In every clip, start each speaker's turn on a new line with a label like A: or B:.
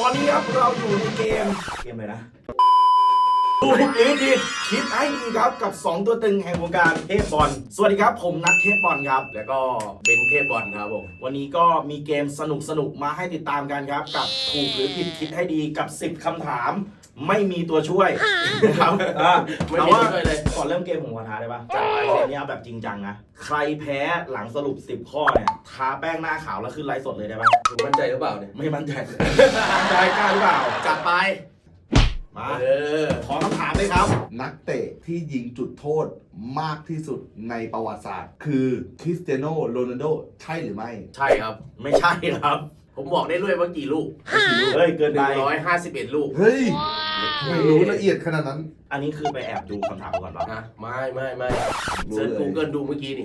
A: อนนี้ครับเราอยู่ในเกมอะไรนะถูกหรือผิดคิดให้ดีครับกับ2ตัวตึงแห่งวงการเทพบอลสวัสดีครับผมนัทเทพบอลครับ
B: แล้วก็เบนเทพบอลครับผม
A: วันนี้ก็มีเกมสนุกมาให้ติดตามกันครับกับถูกหรือผิดคิดให้ดีกับ10คำถามไม่มีตัวช่วยนะครับแต่ว่าก่อนเริ่มเกมผมขอท้าได้ปะจัดไปเกมนี้เอาแบบจริงจังนะใครแพ้หลังสรุป10ข้อเนี่ยทาแป้งหน้าขาวแล้วขึ้นไลฟ์สดเลยได้ปะ
B: คุณมั่นใจหรือเปล่าเนี่ย
A: ไม่มั่นใจใจกล้าหรือเปล่า
B: จัดไป
A: มาขอคำถามเลยครับ
C: นักเตะที่ยิงจุดโทษมากที่สุดในประวัติศาสตร์คือคริสเตียโนโรนัลโดใช่หรือไม่
B: ใช่ครับ
A: ไม่ใช่ครับ
B: ผมบอกได้ด้วยว่ากี่ลูก
A: เฮ้ยเกินไป
B: 151ลูก
C: เฮ้ยไม่รู้ละเอียดขนาดนั้น
A: อันนี้คือไปแอบดูคำถามก่อนป่ะ
B: ไม่เซิร์ช Google ดูเมื่อกี้นี่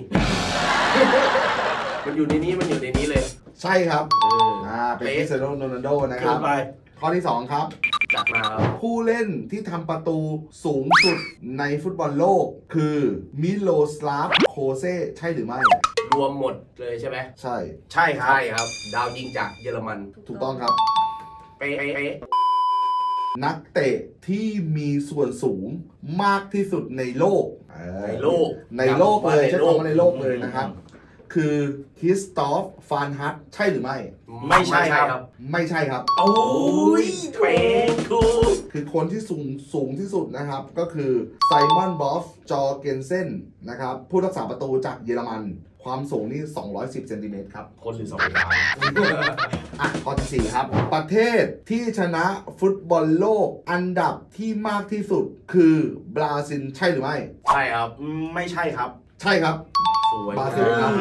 B: มันอยู่ในนี้เลย
C: ใช่ครับเป็นคริสเตียโนโรนัลโดนะครับข้อที่2ครับ
B: จัดมาครับ
C: ผู้เล่นที่ทำประตูสูงสุดในฟุตบอลโลกคือมิโลสลาฟโคเซ่ใช่หรือไม่
B: รวมหมดเลยใช่ไหม
C: ใช่
B: ครับดาวยิงจากเยอรมัน
C: ถูกต้องครับ
B: เป๊ะ
C: นักเตะที่มีส่วนสูงมากที่สุดในโลก
B: ในโลก
C: เลยใช้คำว่าในโลกเลยนะครับคือคริสตอฟฟานฮัตใช่หรือไม่
A: ไม่ใช่ครับ
C: ไม่ใช่ครับ
A: โอ้ยเป๊ะ
C: คือคนที่สูงที่สุดนะครับก็คือไซมอนบอฟจอร์เกนเซนนะครับผู้รักษาประตูจากเยอรมันความสูงนี่210เซนติเมตรครับ
A: คนหรือ2 ดาว
C: ข้อที่4ครับประเทศที่ชนะฟุตบอลโลกอันดับที่มากที่สุดคือบราซิลใช่หรือไม่
B: ใช่ครับ
A: ไม่ใช่ครับ
C: ใช่ครับ
B: บราซิลครับ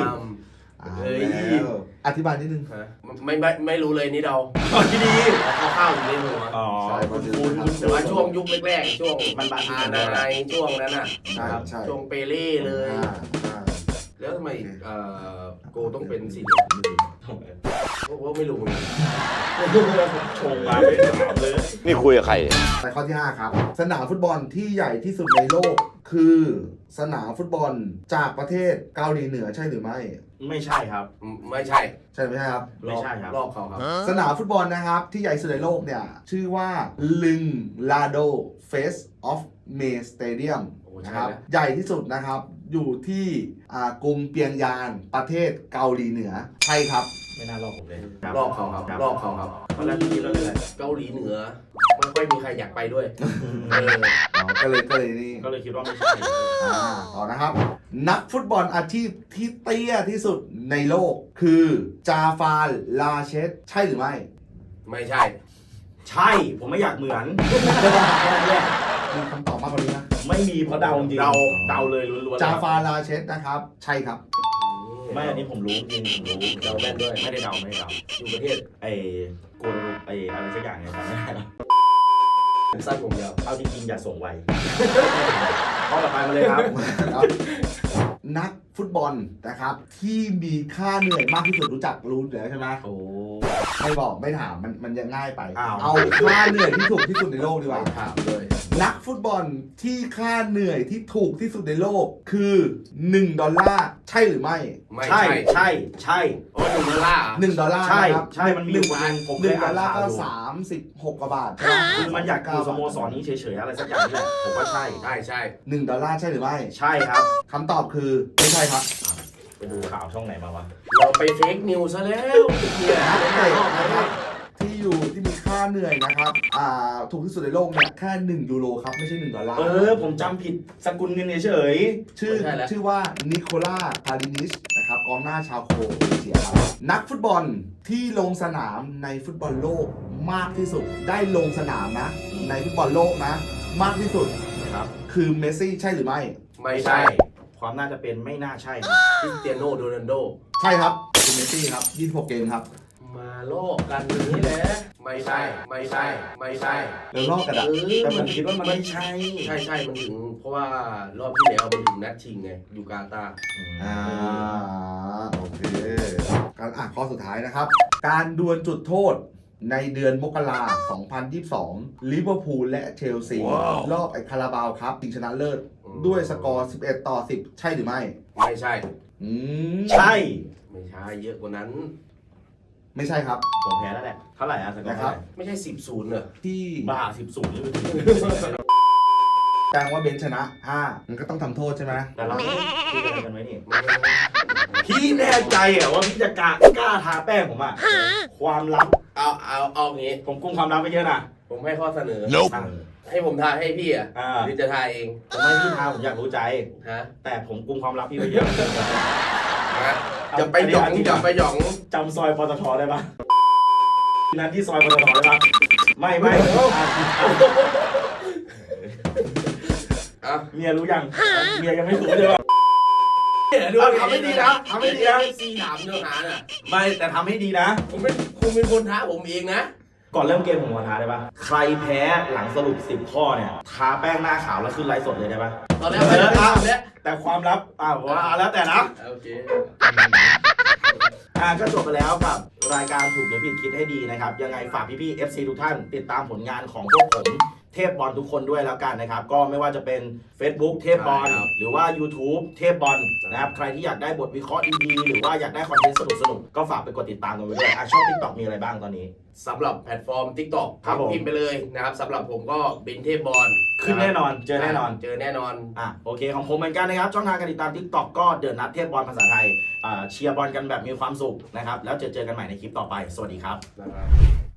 C: อธิบายนิดนึง
B: ไม่รู้เลยนี่เรา
A: ที่ดี
B: ข้าวอยู่ในหัว
C: ใช่
B: คุณแต่ว่าช่วงยุคแรกๆช่วงมันบาอาในช่วงนั้นน่ะช่วงเปเล่เลยแล้วทำไมโกต้องเป็นสีเหลืองเพราะไม่รู้
A: ชงมาเลย
D: นี่คุยกับใคร
C: ไปข้อที่5ครับสนามฟุตบอลที่ใหญ่ที่สุดในโลกคือสนามฟุตบอลจากประเทศเกาหลีเหนือใช่หรือไม่
A: ไม่ใช่ครับ
B: ไม่ใช่
C: ไม่ใช่ครับ
A: ไม่ใช่ครับ
B: ลอกเขาครับ
C: สนามฟุตบอลนะครับที่ใหญ่สุดในโลกเนี่ยชื่อว่าลึงลาโดเฟสออฟเมสเตเดียมนะครับใหญ่ที่สุดนะครับอยู่ที่กรุงเปียงยานประเทศเกาหลีเหนือใช่ครับ
A: ไม่น่าลอกผมเลย
B: ลอกเขาครับ
A: ตอนแรกพี่คิดว่าอะไร
B: เกาหลีเหนือไม่ค่อยมีใครอยากไปด้วย
C: ก็เลยนี่
A: ก็เลยคิดว่าไม่ใช่
C: ต่อนะครับนักฟุตบอลอาชีพที่เตี้ยที่สุดในโลกคือจาฟาร์ลาเชตใช่หรือไม่
B: ไม่ใช่
A: ผมไม่อยากเหมือน
C: มีคำตอบมากกว่านี้นะ
A: ไม่มีเพราะเดาจริงเดาเลยล้วน
C: ๆจาฟาร์ลาเชตนะครับใช่ครับ
A: ไม่อันนี้ผมรู้จริงผมรู้
B: เดาแม่นด้วย
A: ไม่ได้เดา
B: อยู่ประเทศ
A: โกลอะไรสักอย่างเนี่ยจำไม่ได้แล้ว
B: สั้นผมยาว
A: เอาจริงๆอย่าส่งไวข้อต่อไปมาเลยครับ
C: นักฟุตบอลนะครับที่มีค่าเหนื่อยมากที่สุดรู้แล้วใช่ไหม
A: โอ้
C: ไม่บอกไม่ถามมันยังง่ายไปเอาค่าเหนื่อยที่ถูกที่สุดในโลกดีกว่า
B: ถามเลย
C: นักฟุตบอลที่ค่าเหนื่อยที่ถูกที่สุดในโลกคือ$1ใช่หรือไม่
A: ใช่
B: โอ้
C: $1
A: ใช่มันมีอยู่คนผม
C: $1ก็36 กว่าบาท
A: คือมันอยากอยู่สโมสรนี้เฉยๆอะไรสักอย่างนี่แหละผมว่าใช่
C: $1ใช่หรือไม่
A: ใช่ครับ
C: คำตอบคือไม่ใช่ครับ
A: ไปดูข่าวช่องไหนมาวะ
B: เราไปเฟกนิวซะแล้ว
C: ที่มีค่าเหนื่อยนะครับถูกที่สุดในโลกเนี่ยแค่€1ครับไม่ใช่$
A: ผมจำผิดสกุลเงินเฉย
C: ชื่อว่านิโคล่าพาลินิชนะครับกองหน้าชาวโครเอเชียครับนักฟุตบอลที่ลงสนามในฟุตบอลโลกมากที่สุดได้ลงสนามนะในฟุตบอลโลกนะมากที่สุด
A: ครับ
C: คือเมสซี่ใช่หรือไม่
B: ไม่ใช่
A: ความน่าจะเป็นไม่น่าใช่
B: คริสเตียโนโรนัลโด
C: ใช่ครับคือเมสซี่ครับ26 เกมครับ
B: มาโลกกันนี้แหละไม่ใช่
C: เราลอกกัน
A: แต่ผมคิดว่ามันไม่ใช่
B: มันถึงเพราะว่ารอบที่แล้วมันถึงนัดชิงไงยูกาตา
C: โอเคการข้อสุดท้ายนะครับการดวลจุดโทษในเดือนมกราคม 2022 ลิเวอร์พูลและเชลซีรอบคาราบาวครับชิงชนะเลิศด้วยสกอร์11-10ใช่หรือไม่
B: ไม่ใช่
A: ใช่
B: ไม่ใช่เยอะกว่านั้น
C: ไม่ใช่ครับ
A: ผมแพ้แล้วแหละ เท่าไหร่อะสกอร์
C: นะครับ
B: ไม่ใช่10-0เหรอ
C: ที่
A: บ้า10-0เลย
C: แปลว่าเบนชนะมันก็ต้องทำโทษใช่ไหม
A: แต่เราไม่ได้คุยอะไรกันไว้นี่ พี่แน่ใจเหรอว่าพี่จะกล้าทาแป้งผมอะความลับ
B: เอางี้
A: ผมกุมความลับไปเยอะนะ
B: ผมให้ข้อเสนอ
A: อ่ะ
B: ให้ผมทายให้พี่อ่ะ
A: อ่า
B: หรือจะทายเอง
A: ผมไม่พี่ทาผมอยากรู้ใจ
B: ฮะ
A: แต่ผมกุมความลับพี่ไปเยอะ
B: ฮะอย่าไปหยองอย่าไปหยอง
A: จำซอยปตทได้ปะนั้นที่ซอยปตทได้ปะไม่อ่ะ
B: อ่ะ
A: เมียรู้ยังเมียยังไม่รู้เลยปะทำให้ดีนะทำให้ดีนะ
B: ซีถามเนื้อหาน่ะ
A: ไม่แต่ทำให้ดีนะ
B: คุณเป็นคนท้าผมเองนะ
A: ก่อนเริ่มเกมผมขอท้าได้ปะใครแพ้หลังสรุป10 ข้อเนี่ยทาแป้งหน้าขาวแล้วขึ้นไลฟ์สดเลยได้ปะ
B: ตอนแรกไม่ได้ทำเนี่ย
A: แต่ความลับว่าแล้วแต่นะ
B: โอเค
A: ก็จบไปแล้วกับรายการถูกหรือผิดคิดให้ดีนะครับ ยังไงฝากพี่ๆ FC ทุกท่านติดตามผลงานของพวกผมเทพบอลทุกคนด้วยแล้วกันนะครับ ก็ไม่ว่าจะเป็น Facebook เทพบอลหรือว่า YouTube เทพบอลนะครับใครที่อยากได้บทวิเคราะห์ดีๆหรือว่าอยากได้คอนเทนต์สนุกๆก็ฝากไปกดติดตามกันไว้ด้วยช่อง TikTok มีอะไรบ้างตอนนี้
B: สำหรับแพลตฟอร์ม TikTok
A: ครับผม
B: พิมพ์ไปเลยนะครับสำหรับผมก็เป็นเทพบอล
A: ขึ้นแน่นอนเจอแน่นอน
B: เจอแน่นอน
A: โอเคของผมเหมือนกันนะครับช่องทางการติดตาม TikTok ก็เดือดนัดเทพบอลภาษาไทยเชียร์บอลกันแบบมีความสุขนะครับแล้วเจอกันใหม่ในคลิปต่อไปสวัสดีครับ
B: นะครับ